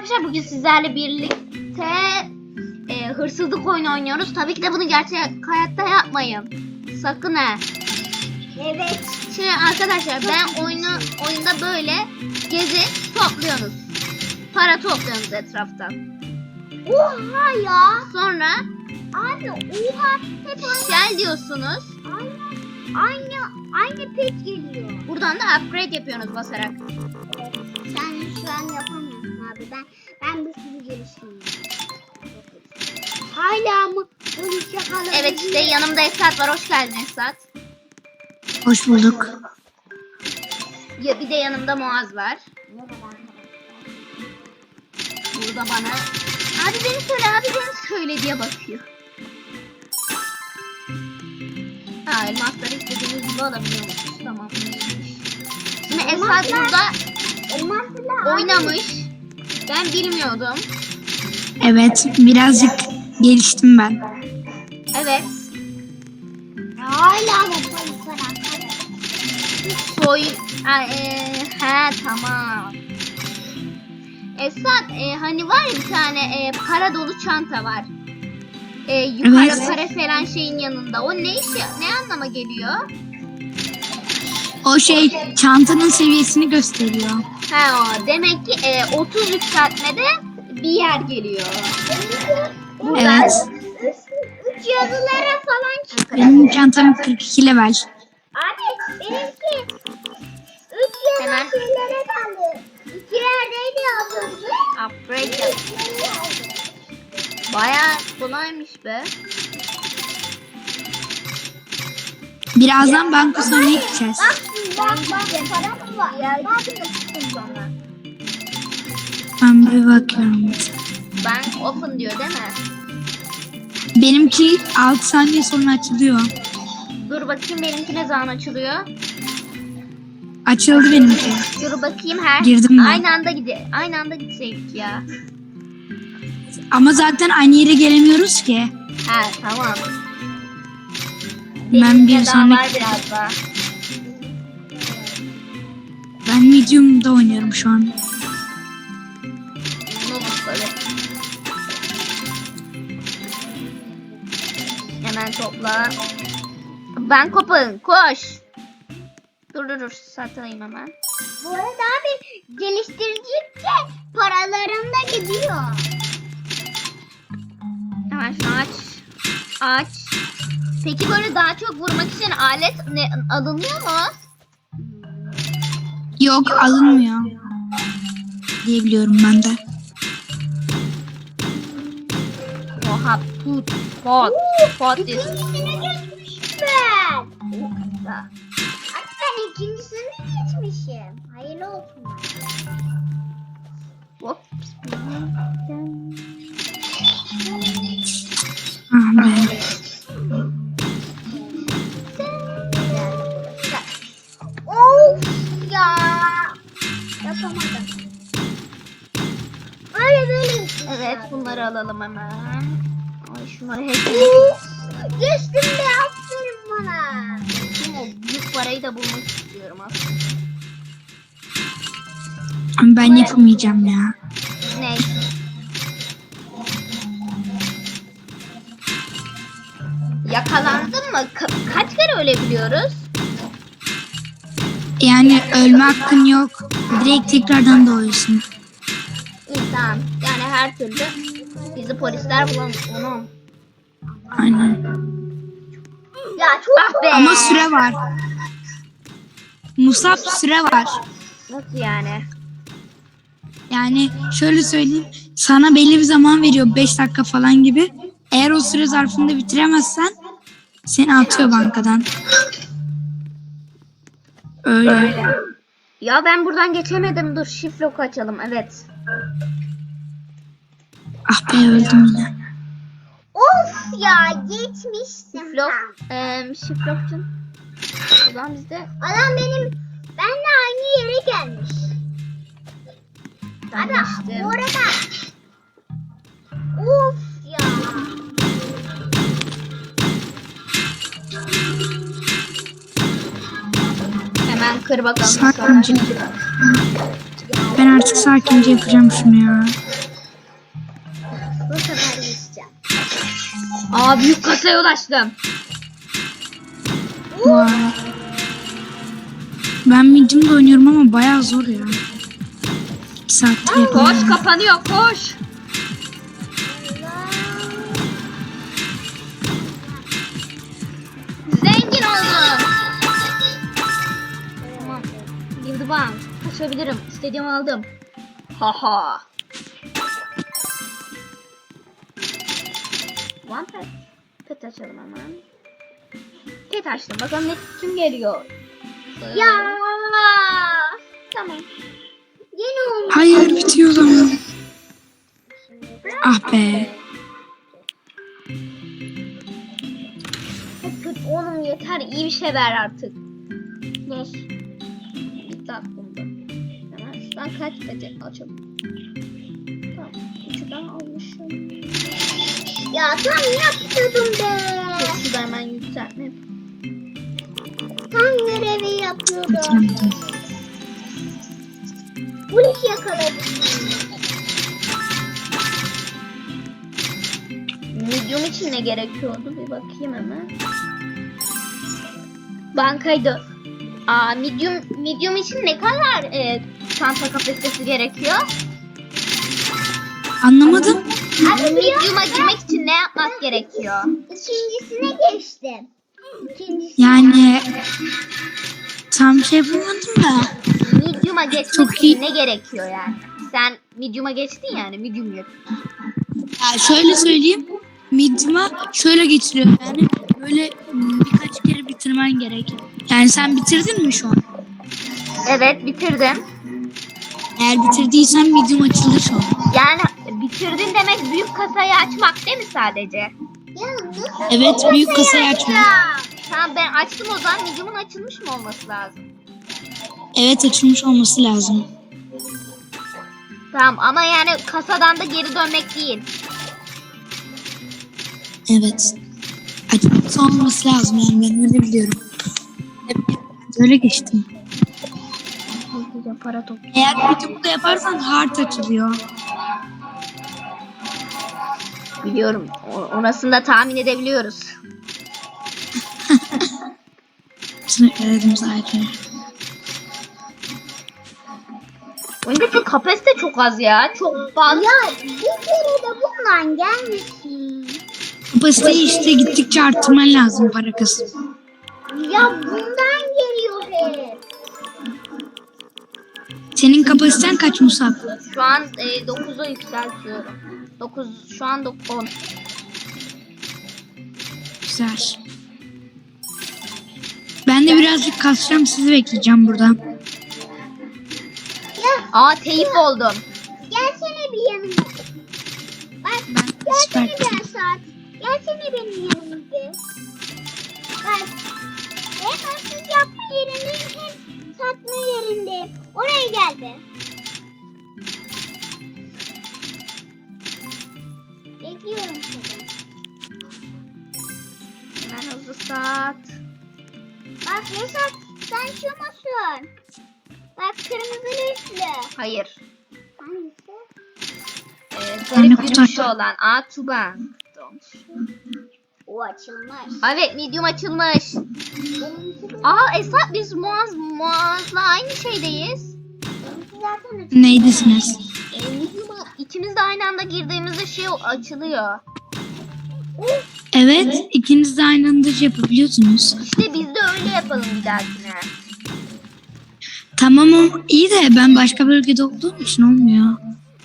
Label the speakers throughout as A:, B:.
A: arkadaşlar bugün sizlerle birlikte hırsızlık oyunu oynuyoruz. Tabii ki de bunu gerçek hayatta yapmayın. Sakın ha.
B: Evet.
A: Şimdi arkadaşlar ben oyunda böyle gezip topluyorsunuz. Para topluyorsunuz etraftan.
B: Oha ya.
A: Sonra
B: Abi oha. Hep
A: shell diyorsunuz.
B: aynı pet geliyor.
A: Buradan da upgrade yapıyorsunuz basarak.
B: Sen şu an yapamıyorsun abi. Ben bir sürü geliştireyim. Hala mı? Bunu şakalı.
A: Evet işte yanımda Esat var. Hoş geldin Esat.
C: Hoş bulduk.
A: Ya bir de yanımda Muaz var. Burada bana abi beni söyle diye bakıyor. Ha elmasları istediğiniz gibi alabiliyormuşuz. Tamam. Şimdi Esat burada oynamış. Ben bilmiyordum.
C: Evet, birazcık geliştim ben.
A: Evet.
B: Hala mı polis var?
A: Tamam. Esat hani var ya bir tane para dolu çanta var. Yukarı
C: Evet.
A: para falan şeyin yanında. O ne anlama geliyor?
C: O şey çantanın seviyesini gösteriyor.
A: O demek ki 30 yükseltmede bir yer geliyor.
C: Evet.
B: Üç yazılara falan çıkıyor.
C: Benim çantam 42 level.
B: Abi benimki 3
A: Hemen.
B: yazı şeylere kaldı. 2 yerdeydi yazıldı.
A: Upgrade yap. Bayağı kolaymış be.
C: Birazdan banka sonuna gideceğiz.
B: Bak para mı var? Bak çıktım sonra.
C: Ben bir bakıyorum.
A: Bank open diyor değil mi?
C: Benimki 6 saniye sonra açılıyor.
A: Dur bakayım benimki ne zaman açılıyor?
C: Açıldı benimki.
A: Dur bakayım
C: Girdim ben.
A: Aynı anda gitseydik ya.
C: Ama zaten aynı yere gelemiyoruz ki.
A: Tamam.
C: Ben
A: Benimki
C: bir
A: daha
C: sonraki...
A: var biraz daha.
C: Ben medium'da oynuyorum şu an.
A: Böyle. Hemen topla. Ben kopun. Koş. Dur. Satayım hemen.
B: Bu arada abi geliştirdikçe paralarım da gidiyor.
A: Hemen şunu aç. Peki böyle daha çok vurmak için alet alınıyor mu?
C: Yok, alınmıyor. Diyebiliyorum ben de.
A: Oha pot.
B: İkincisine geçmişim ben. Abi ben ikincisine geçmişim. Hayırlı olsun.
A: Hop.
C: Ah be.
B: Of ya. Yapamadım. Böyle.
A: Evet bunları alalım hemen. Ay şunları hepsini.
B: Geçtim de aferin bana.
A: O büyük parayı da bulmak istiyorum aslında.
C: Ama ben yapamayacağım ya.
A: Ne? Yakalandın mı? Kaç kere ölebiliyoruz?
C: Yani ölme hakkın yok. Direkt tekrardan doğuyorsun.
A: İyi tamam. Yani her türlü bizi polisler bulamaz. Onu.
C: Aynen.
B: Ya çok
A: Be.
C: Ama süre var. Musab süre var.
A: Nasıl yani?
C: Yani şöyle söyleyeyim. Sana belli bir zaman veriyor. 5 dakika falan gibi. Eğer o süre zarfında bitiremezsen seni atıyor bankadan. Öyle.
A: Ya ben buradan geçemedim. Dur shift lock açalım. Evet.
C: Ah be, öldüm yine.
B: Of ya geçmiştim.
A: Shift lock. Shift lock'cum. O zaman bizde.
B: Adam benle aynı yere gelmiş.
A: Ben
B: Abi
A: geçtim.
B: bu arada. Of ya.
A: Hemen kır bakalım.
C: Sakince. Ben artık sakince yapacağım şunu ya.
A: Aa, büyük kasaya ulaştım.
C: Vay. Ben medium'da oynuyorum ama bayağı zor ya. 2 saatte
A: Koş,
C: yapıyorum.
A: kapanıyor, koş. Zengin oldum. Tamam. Girdi bank. Kaçabilirim. İstediğimi aldım. Haha. One pet. Pet açalım hemen. Pet açtım. Bakalım kim geliyor.
B: Ya.
A: Tamam.
B: Yeni olmuş.
C: Hayır bitiyor o zaman. Ah be.
A: Pet oğlum yeter. İyi bir şey ver artık. Dur. Bitti aklımda. Hemen şuradan kaç peti açalım. Tamam. Üçü daha almışım.
B: Ya tam yapıyordum be.
A: Şu da hemen yükseltme.
B: Tam görevi yapıyordum.
C: Bitiremedim.
B: Polis yakaladı.
A: Medium için ne gerekiyordu? Bir bakayım hemen. Bankaydı. Aa, medium için ne kadar çanta kapasitesi gerekiyor?
C: Anlamadım.
A: Medium'a girmek için ne yapmak gerekiyor?
B: İkincisine geçtim. İkincisi.
C: Yani tam şey bulmadım da.
A: Medium'a geçmek
C: Çok
A: için
C: iyi.
A: ne gerekiyor yani? Sen medium'a geçtin yani, medium yok.
C: Ya şöyle söyleyeyim. Medium'a şöyle geçiriyor. Yani böyle birkaç kere bitirmen gerek. Yani sen bitirdin mi şu an?
A: Evet, bitirdim.
C: Eğer bitirdiysen medium açılır şu an.
A: Yani bitirdin demek büyük kasayı açmak değil mi sadece?
B: Ya nasıl?
C: Evet, büyük kasayı açma.
A: Tamam, ben açtım o zaman. Medium'un açılmış mı olması lazım?
C: Evet, açılmış olması lazım.
A: Tamam ama yani kasadan da geri dönmek değil.
C: Evet. Açılmış olması lazım yani ben öyle biliyorum. Hep öyle geçtim.
A: Hızlıca para topla.
C: Eğer medium'u da yaparsan hard açılıyor.
A: Biliyorum. Orasını da tahmin edebiliyoruz.
C: Söyledim zaten.
A: Oyundaki kapasite çok az ya. Çok fazla.
B: Ya bir kere de bundan gelmesin.
C: Kapasiteyi işte gittikçe arttırman lazım para kısmı.
B: Ya bundan geliyor hep.
C: Senin kapasiten kaç Musab?
A: Şu an 9'a yükseltiyorum. 9 şu an 10.
C: Güzel. Ben de birazcık kasacağım, sizi bekleyeceğim burada.
B: Ya
A: Aa, teyip oldum.
B: gelsene bir yanıma. Bak gelsene
C: Süper.
B: bir saat. Gelsene benim yanıma bir. Bak. Hem hırsız yapma yerinde hem satma yerinde. Oraya gel be. Bekliyorum seni.
A: Hemen hızlı sat.
B: Bak Reşat sen şu musun? Bak kırmızı üstlü.
A: Hayır.
B: Hangisi?
C: Ben de
A: Garip
C: kutu
A: yürüyüşü
C: açtım.
A: olan. Aa, Tuban.
B: O açılmış.
A: Evet, medium açılmış.
B: Benimki
A: Aa, Esat, biz Muaz'la aynı şeydeyiz.
B: zaten açılmış.
C: Neydesiniz?
A: Medium'a ikimiz de aynı anda girdiğimizde şey açılıyor.
C: Evet, ikiniz de aynı anda şey yapabiliyorsunuz.
A: İşte biz de öyle yapalım bir dahakine.
C: Tamam o iyi de ben başka bölgede olduğum için olmuyor.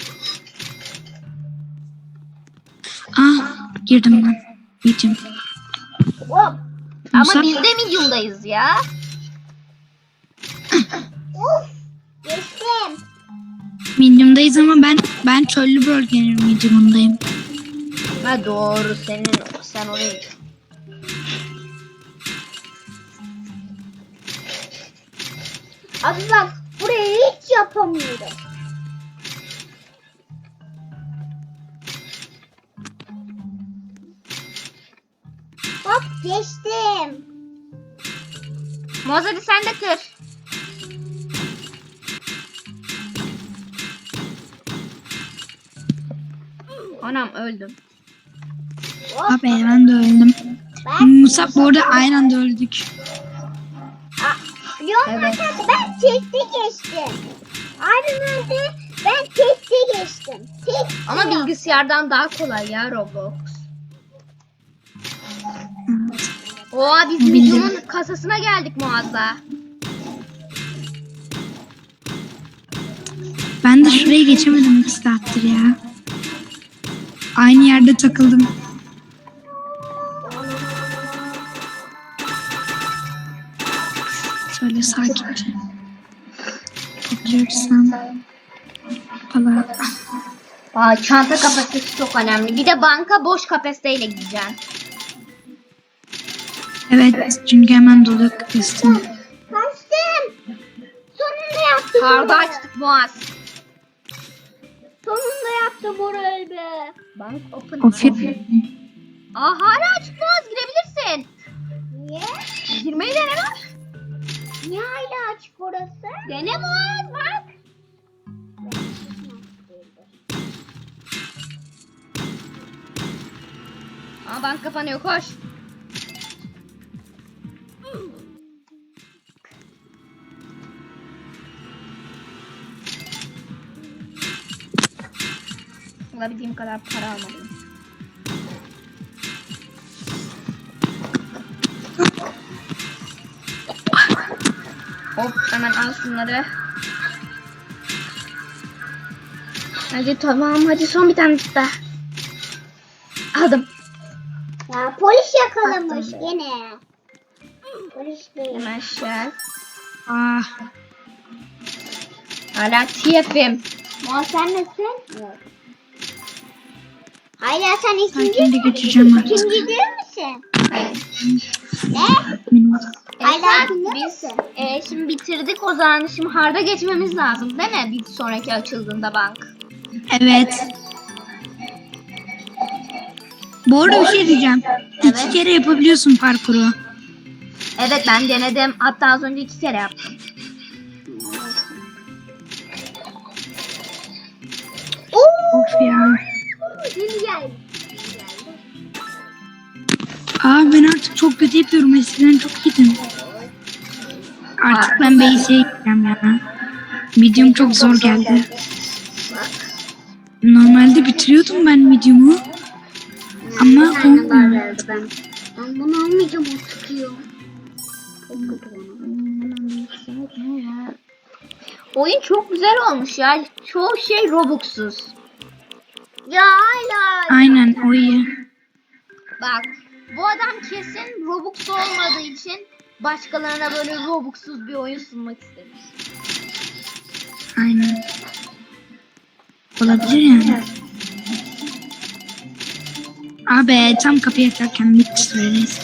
C: Ah, girdim ben. Medium.
A: Hop. Ama
C: Musa-
A: biz de medium'dayız ya.
B: Geçtim.
C: Medium'dayız ama ben çöllü bölgenin medium'undayım.
A: Ha, doğru, sen oraya.
B: Abi bak burayı hiç yapamıyorum. Bak geçtim.
A: Muaz, hadi sen de kır. Anam, öldüm.
C: Abi ben de öldüm. Musab bu arada aynı anda öldük.
B: Biliyor musun
A: Evet.
B: arkadaşlar, ben tekte geçtim. Abim öldü, ben tekte geçtim. Tek.
A: Ama bilgisayardan daha kolay ya Roblox.
C: Evet.
A: Oha biz
C: Bildim.
A: Medium'un kasasına geldik Muaz'la.
C: Ben de şuraya geçemedim 2 saattir ya. Aynı yerde takıldım. Şöyle sakince. Topluyorsam. Valla.
A: Aa, çanta kapasitesi çok önemli. Bir de banka boş kapasiteyle gideceksin.
C: Evet çünkü hemen dolu kapasitem.
B: Kaçtım. Sonunda yaptım.
A: Karda açtık Muaz.
B: Sonunda yaptım orayı be.
A: Bank open.
C: Ofis.
A: Aa hala açık Muaz, girebilirsin.
B: Niye?
A: Girmeyi dene bak.
B: Niye hala açık orası?
A: Dene Muaz bak. Aa bank kapanıyor, koş. Alabildiğim kadar para almadım. Hop hemen al şunları. Hadi tamam, hadi son bir tane daha. Aldım.
B: Ya polis yakalamış yine. Polis değil.
A: Hemen şel.
C: Ah.
A: Hala TF'im.
B: Ya sen nesin? Yok. Hala sen ikinci
C: Sakin de geçeceğim artık.
B: İkinci değil misin? Ne?
A: Hala
B: ikinci
A: biz
B: misin?
A: şimdi bitirdik o zaman. Şimdi hard'a geçmemiz lazım değil mi? Bir sonraki açıldığında bank.
C: Evet. Bu arada bir şey diyeceğim.
A: Evet.
C: 2 kere yapabiliyorsun parkuru.
A: Evet ben denedim. Hatta az önce 2 kere yaptım.
C: Of ya.
B: Yeni geldi.
C: Aa ben artık çok kötü yapıyorum. Eskiden çok iyiydim. Artık ben base'e gideceğim ya. Medium çok zor geldi. Normalde bitiriyordum ben medium'u. Ama olmuyor.
B: Ben bunu almayacağım artık ya. Çok kötü bana.
A: Oyun çok güzel olmuş ya. Çoğu şey Robux'suz.
B: Ya hala.
C: Aynen o iyi.
A: Bak bu adam kesin Robux olmadığı için başkalarına böyle Robux'suz bir oyun sunmak istemiş.
C: Aynen. Olabilir yani. Abi tam kapıyı açarken bitti söyleyeyse.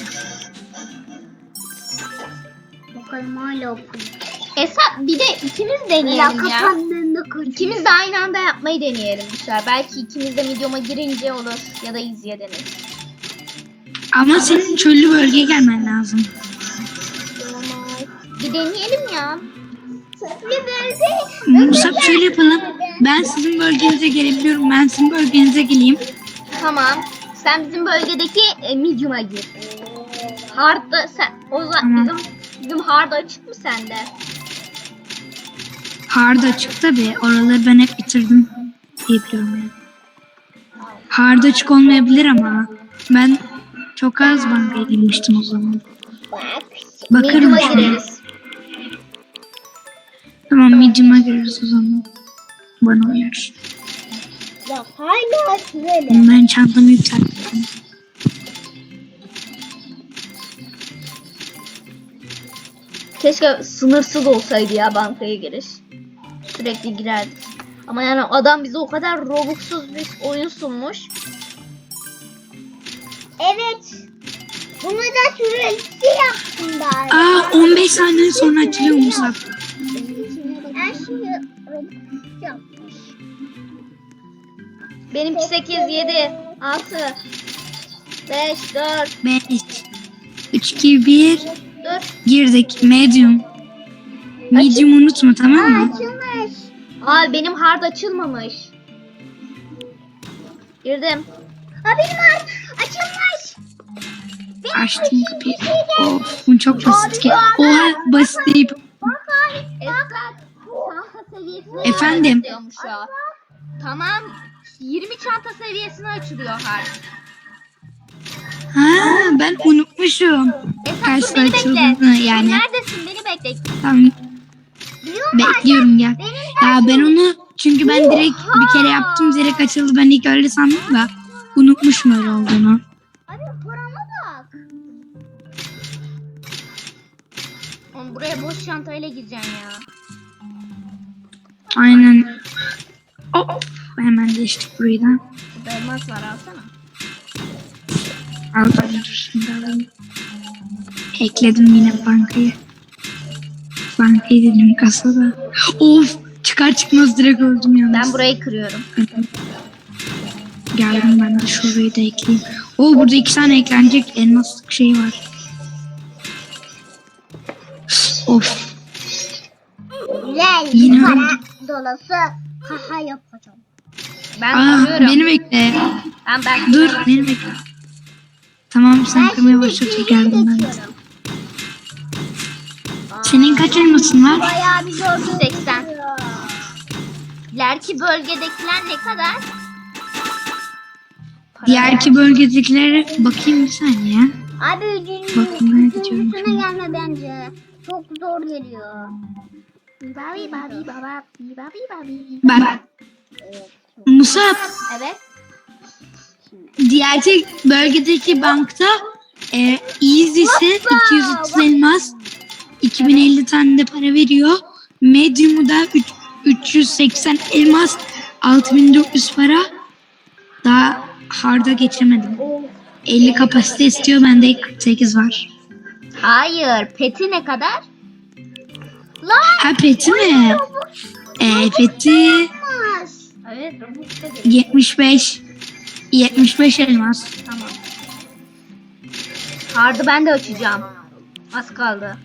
B: Bakalım hala okuyun.
A: Hesap bir de ikimiz
B: Ya
A: deneyelim ya.
B: kapandığında kaçıyor.
A: İkimiz de aynı anda yapmayı deneyelim bu sefer. Belki ikimiz de medium'a girince olur ya da izleye deneriz.
C: Ama senin çöllü bölgeye gelmen lazım.
A: Bir deneyelim ya.
B: Bir bölge.
C: Musab şöyle yapalım. Ben sizin bölgenize gelebiliyorum. Ben sizin bölgenize geleyim.
A: Tamam. Sen bizim bölgedeki medium'a gir. Hard'da sen o zaman
C: Tamam.
A: bizim hard açık mı sende?
C: Hard açık tabi. Oraları ben hep bitirdim diyebiliyorum yani. Hard açık olmayabilir ama ben çok az bankaya girmiştim o zaman. Bakarım
A: Medium'a
C: şimdi.
A: gireriz.
C: Tamam medium'a gireriz o zaman. Bana uyar.
B: Ya hala şöyle.
C: Ben çantamı yükselttim.
A: Keşke sınırsız olsaydı ya bankaya giriş. Sürekli girerdik. Ama yani adam bize o kadar Robux'suz bir oyun sunmuş.
B: Evet. Bunu da süresi yaptım bari.
C: Aa 15 saniye sonra açılıyor Musab.
B: Her şeyi yapmış.
A: Benimki 8, 7, 6, 5, 4,
C: 5, 3, 2, 1.
A: 4.
C: Girdik. Medium. Medium unutma tamam mı?
B: Açılmış.
A: Aa benim hard açılmamış. Girdim.
B: benim açılmış.
C: Açtım kapıyı. Of bu çok basit ki. Oha basit deyip.
B: Bak abi.
A: Esat çanta seviyesine
C: Efendim?
A: açılıyormuş o. Tamam 20 çanta seviyesine açılıyor harf.
C: Ha ben unutmuşum.
A: Esat
C: Kaçta
A: dur beni bekle.
C: açıldığını yani.
A: Neredesin beni bekle.
C: Tamam
B: Biliyor musun?
C: bekliyorum gel.
B: Benim
C: Ya ben onu çünkü ben direkt bir kere yaptım direkt açıldı. Ben ilk öyle sandım da unutmuşum öyle olduğunu.
B: Abi parama bak.
A: Oğlum buraya boş çantayla gireceksin ya.
C: Aynen. Hop. Hemen geçtik burayı da.
A: Burada elmas var alsana.
C: Al ben dur şimdi alayım. Ekledim yine bankayı. Bankayı dedim kasada. Of çıkar çıkmaz direkt öldüm yalnız.
A: Ben burayı kırıyorum.
C: Geldim ben de şurayı da ekleyeyim. O burada 2 tane eklenecek elmaslık şey var. Of.
B: Güzel
C: Yine
B: para
C: öldüm.
B: dolası kaha yapacağım.
A: Ben
C: Aa,
A: kırıyorum.
C: beni bekle.
A: Ben
C: Dur beni bekle. Tamam sen kırmaya başlayınca geldim ben.
B: geçiyorum.
C: Senin kaç elmasın var?
B: Bayağı bir zor.
A: 80. İleriki bölgedekiler ne kadar?
C: Diğerki bölgedekilere bakayım bir saniye.
B: Abi
C: Bakmaya gidiyorum
B: üçüncüsüne
C: şimdi.
B: gelme bence. Çok zor geliyor.
A: Babi babi baba babi babi.
C: Bak. Musab
A: Evet.
C: diğerki bölgedeki bankta Easy'si 230 elmas 2050 tane de para veriyor. Medium'u da 380 elmas 6400 para. Daha hard'a geçemedim. 50 kapasite istiyor bende 48 var.
A: Hayır. Peti ne kadar?
C: Ha peti mi? Peti
B: Olmaz.
A: Evet. Robux'ta
C: 75 elmas.
A: Tamam. Hard'ı ben de açacağım. Az kaldı.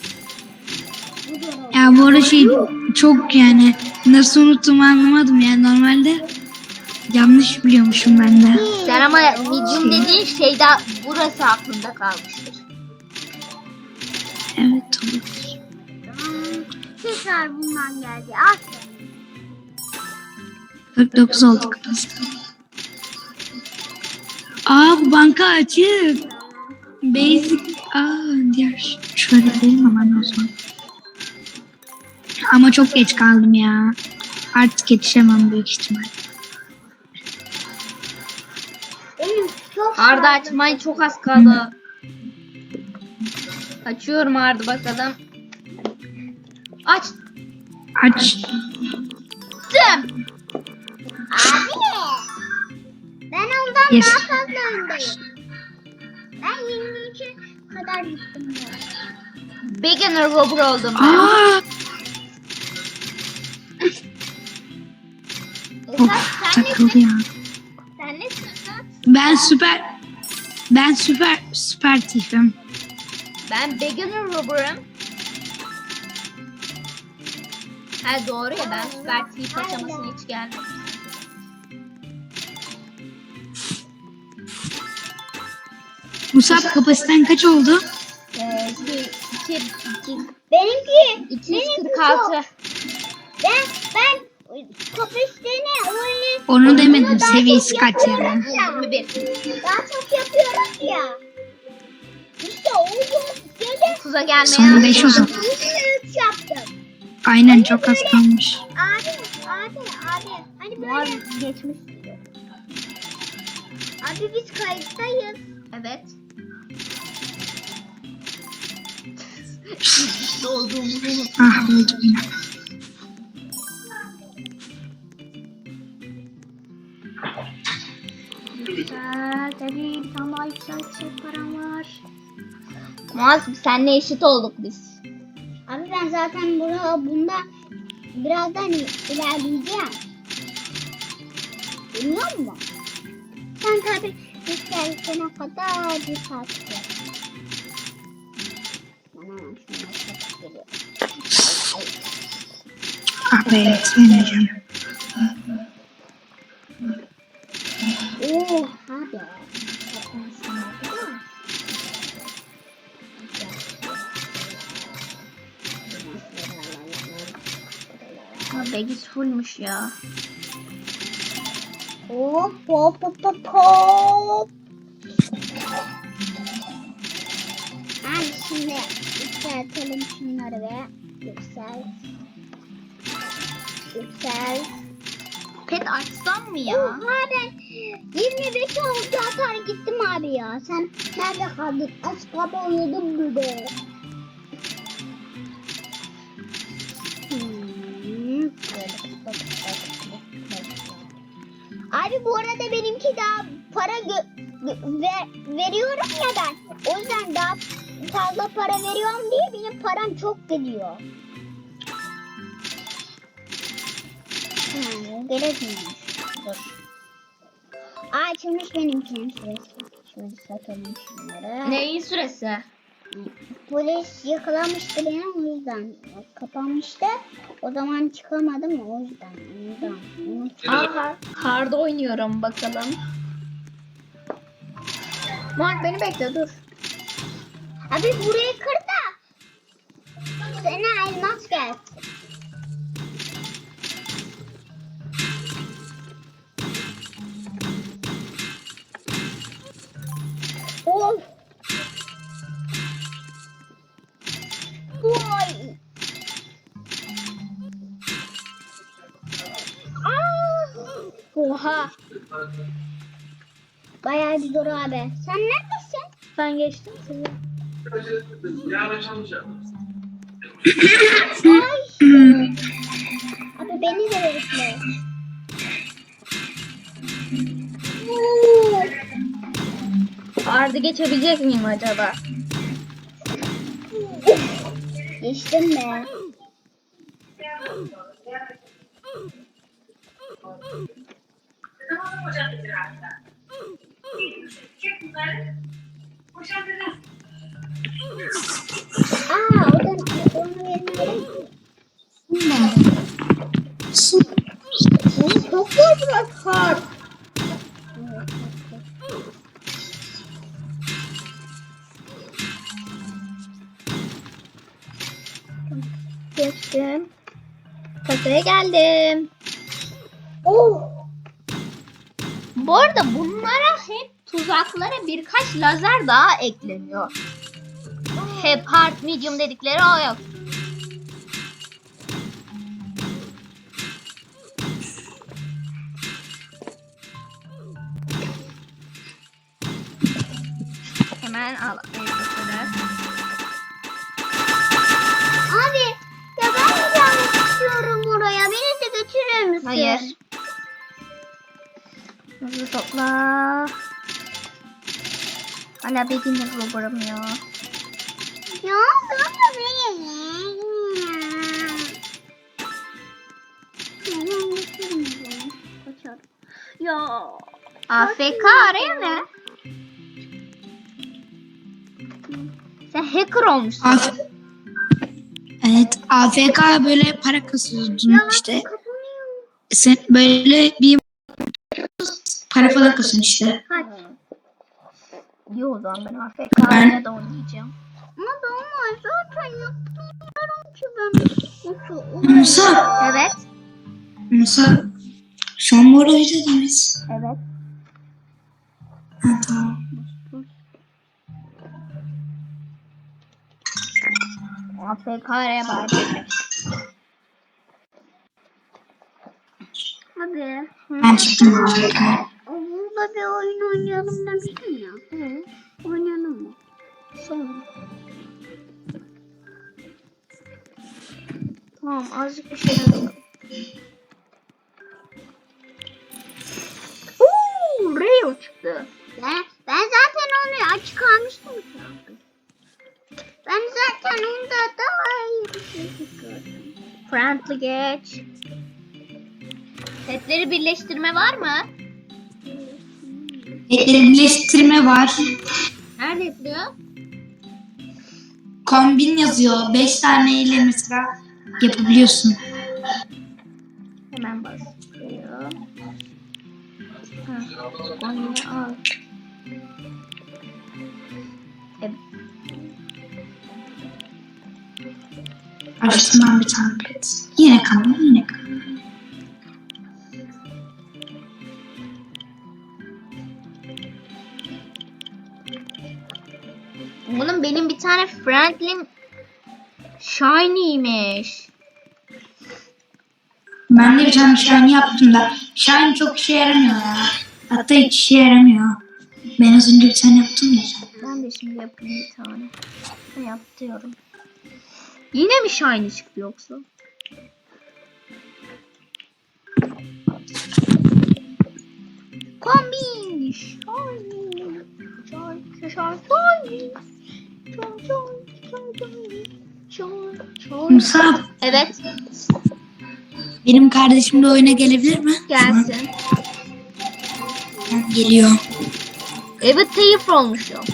C: Ya bu arada şey çok yani nasıl unuttuğumu anlamadım yani normalde yanlış biliyormuşum ben de.
A: Sen ama medium dediğin şey daha burası aklında kalmıştır.
C: Evet olur.
B: Tekrar bundan geldi. Aferin.
C: 49 olduk biz. Aa bu banka açık. Basic. Diğer şöyle gidelim hemen o zaman. Ama çok geç kaldım ya. Artık yetişemem büyük ihtimal.
B: Benim çok
A: Hard'ı açmayı çok az kaldı. Açıyorum Hard'ı bakalım. Açtım.
C: Aç.
B: Abi. Ben ondan
C: Yes.
B: daha fazla öndeyim. Ben 23'e kadar gittim ya.
A: Beginner robber oldum ben.
C: Aa.
A: Esat,
C: Of
A: sen
C: takıldı
A: nesin?
C: ya.
A: Sen nesin Esat?
C: Ben süper tifim.
A: Ben beginner robber'ım. Ha doğru ya ben süper thief aşamasına hiç gelmedim.
C: Musab kapasiten kaç oldu?
B: Benimki
A: 246.
B: ben kapasiteni öyle
C: Onu demedim seviyesi kaç yani.
A: 21.
B: daha çok yapıyorum ya. İşte o böyle
A: 30'a gelmeye
C: Son 5 o zaman.
B: 3 yaptım.
C: Aynen çok az kalmış.
B: Abi. Hani
A: Var
B: böyle.
A: geçmiş.
B: Abi biz kayıttayız.
A: Evet. Olduğumuzu unuttum.
C: Ah öldüm yine.
A: Güzel. Tabii bir tane daha yükseltecek param var. Muaz senle eşit olduk biz.
B: Abi ben zaten bunda birazdan ilerleyeceğim. Biliyor musun? Sen tabii yükseltene kadar bir saatte. Bana şuna çok geliyor.
C: Ah be yetişemeyeceğim.
B: Oo abi.
A: 8 fullmuş ya.
B: Hop hop hop hop hop. Abi şimdi yükseltelim şunları ve yüksel. Yüksel.
A: Pet açsam mı ya?
B: Oha ben 25 oldu atar gittim abi ya. Sen nerede kaldın? Az kaba uyudum burada. Abi bu arada benimki daha para veriyorum ya ben. O yüzden daha fazla para veriyorum diye benim param çok gidiyor. Gerekmiyormuş. Dur. Açılmış benimkinin süresi. Şöyle satalım şunları.
A: Neyin süresi?
B: Polis yakalamıştı beni o yüzden. Kapanmıştı. O zaman çıkamadım o yüzden.
A: Aha, karda oynuyorum bakalım. Mark beni bekle dur.
B: Abi burayı kır da sana elmas gelsin. Of. Vay.
A: Oha.
B: Bayağı bir zor abi. Sen neredesin?
A: Ben geçtim sizi.
B: Abi beni de bekle.
A: Ardı geçebilecek miyim acaba?
B: Geçtim be. Onu vermeyelim.
A: Çok zor biraz kar. Geçtim. Kasaya geldim.
B: Oh.
A: Bu arada bunlara hep tuzaklara birkaç lazer daha ekleniyor. Hep hard medium dedikleri o yok. Hemen al.
B: Abi ya ben de gelmek istiyorum oraya. Beni de götürür müsün?
A: Hayır. Hızlı topla. Hala beginner robber'ım ya.
B: Ya baba beni. Ben götürmeyeceğim. Kaçarım.
A: Ya. AFK araya ne? Sen hacker olmuşsun.
C: Evet, AFK böyle para kasıyordun işte.
B: Kapanıyor.
C: Sen böyle bir para falan kasıyorsun işte.
A: Kaç. İyi o zaman ben AFK'ya da oynayacağım.
B: Ama ben zaten yapmıyorum ki ben. Nasıl?
C: Musa,
A: Evet.
C: Musa, şu an bu arada oynadınız.
A: Evet.
C: Ha, tamam.
A: AFK'ya bari.
B: Abi.
C: Ben çıktım AFK'ya.
B: Burada bir oyun oynayalım demiştim ya. Oynayalım mı?
A: Sonra. Tamam azıcık bir şey yapalım. Rio çıktı.
B: Ben zaten onu açık almıştım ki abi. Ben zaten onda daha iyi bir şey gördüm.
A: Friendly geç. Setleri birleştirme var mı?
C: Etleri birleştirme var.
A: Nerede yapılıyor?
C: Kombin yazıyor. 5 tane ile mesela yapabiliyorsun.
A: Hemen basıyorum. Onu al.
C: Açtım ben bir tane pet. Yine kalın, yine kalın.
A: Oğlum benim bir tane Franklin Shiny'ymiş.
C: Ben de bir tane shiny yaptım da. Shiny çok işe yaramıyor ya. Hatta hiç işe yaramıyor. Ben az önce bir tane yaptım ya.
A: Ben de şimdi yapayım bir tane. Yapıyorum. Yine mi Shiny çıktı yoksa? Kombin. Shiny. Shiny.
C: Musab,
A: Evet.
C: benim kardeşim de oyuna gelebilir mi?
A: Gelsin.
C: Şu an geliyor.
A: Evet, teyif olmuş ya.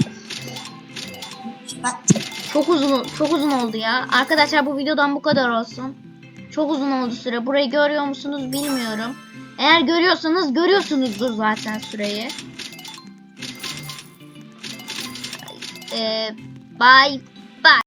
A: Çok uzun oldu ya. Arkadaşlar bu videodan bu kadar olsun. Çok uzun oldu süre. Burayı görüyor musunuz bilmiyorum. Eğer görüyorsanız görüyorsunuzdur zaten süreyi. Bye.